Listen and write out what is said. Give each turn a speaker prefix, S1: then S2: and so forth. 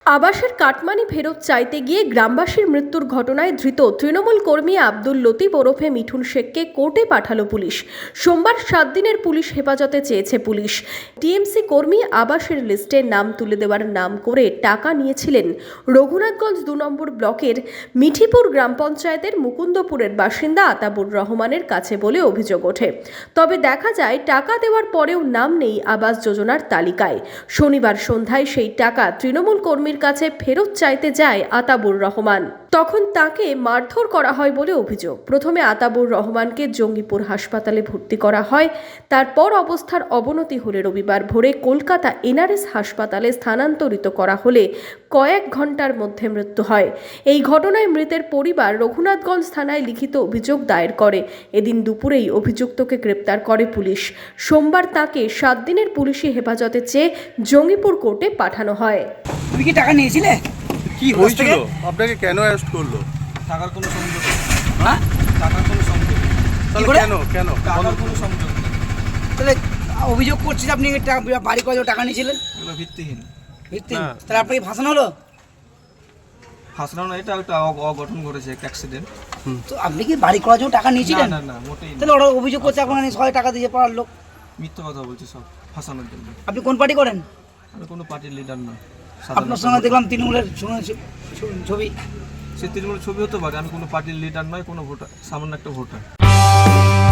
S1: আবাসের কাটমানি ফেরত চাইতে গিয়ে গ্রামবাসীর মৃত্যুর ঘটনায় ধৃত তৃণমূল কর্মী আব্দুল লতিফ ওরফে মিঠুন শেখকে কোর্টে পাঠালো পুলিশ। সোমবার 7 দিনের পুলিশ হেফাজতে চেয়েছে পুলিশ। টিএমসি কর্মী আবাসের লিস্টে নাম তুলে দেওয়ার নাম করে টাকা নিয়েছিলেন রঘুনাথগঞ্জ 2 নম্বর ব্লকের মিঠিপুর গ্রাম পঞ্চায়েতের মুকুন্দপুরের বাসিন্দা আতাবুর রহমানের কাছে বলে অভিযোগ ওঠে। তবে দেখা যায় টাকা দেওয়ার পরেও নাম নেই আবাস যোজনার তালিকায়। শনিবার সন্ধ্যায় সেই টাকা তৃণমূল কর্মীর কাছে ফেরত চাইতে যায় আতাবুর রহমান। তখন তাকে মারধর করা হয় বলে অভিযোগ। প্রথমে আতাবুর রহমানকে জঙ্গিপুর হাসপাতালে ভর্তি করা হয়। তারপর অবস্থার অবনতি হলে রবিবার ভোরে কলকাতা এনআরএস হাসপাতালে স্থানান্তরিত করা হলে কয়েক ঘন্টার মধ্যে মৃত্যু হয়। এই ঘটনায় মৃতের পরিবার রঘুনাথগঞ্জ থানায় লিখিত অভিযোগ দায়ের করে। এদিন দুপুরেই অভিযুক্তকে গ্রেপ্তার করে পুলিশ। সোমবার তাকে 7 দিনের পুলিশি হেফাজতে চেয়ে জঙ্গিপুর কোর্টে পাঠানো হয়।
S2: তুমি কি টাকা নিয়েছিলে?
S3: কি হয়েছিল? আপনাকে কেন অ্যারেস্ট করলো?
S4: টাকার কোনো সংযোগ নেই।
S2: হ্যাঁ,
S4: টাকার কোনো সংযোগ নেই।
S3: তাহলে
S2: করে?
S3: কেন
S4: টাকার কোনো সংযোগ নেই।
S2: তাহলে অভিযোগ করছি যে আপনি বাড়ি করে টাকা নিয়েছিলেন,
S4: এগুলো ভিত্তিহীন।
S2: ভিত্তিহীন।
S3: হ্যাঁ।
S2: তাহলে আপনাকে ফাঁসানো হলো?
S4: ফাঁসলাম না, এটা একটা অঘটন ঘটেছে, একটা অ্যাক্সিডেন্ট।
S2: তো আপনি কি বাড়ি করার জন্য টাকা নিয়েছিলেন?
S4: না না, মোটেই না।
S2: তাহলে ওরা অভিযোগ করছে আপনাকে সবাই টাকা দিয়ে পাওয়ার লোক।
S4: মিথ্যা কথা বলছে সব ফাঁসানোর জন্য।
S2: আপনি কোন পার্টি করেন?
S4: আমি কোনো পার্টির লিডার না।
S2: আপনার সঙ্গে দেখলাম তৃণমূলের ছবি।
S4: সে তৃণমূলের ছবি হতে পারে, আমি কোনো পার্টির লিডার নয়, কোনো ভোটার, সামান্য একটা ভোটার।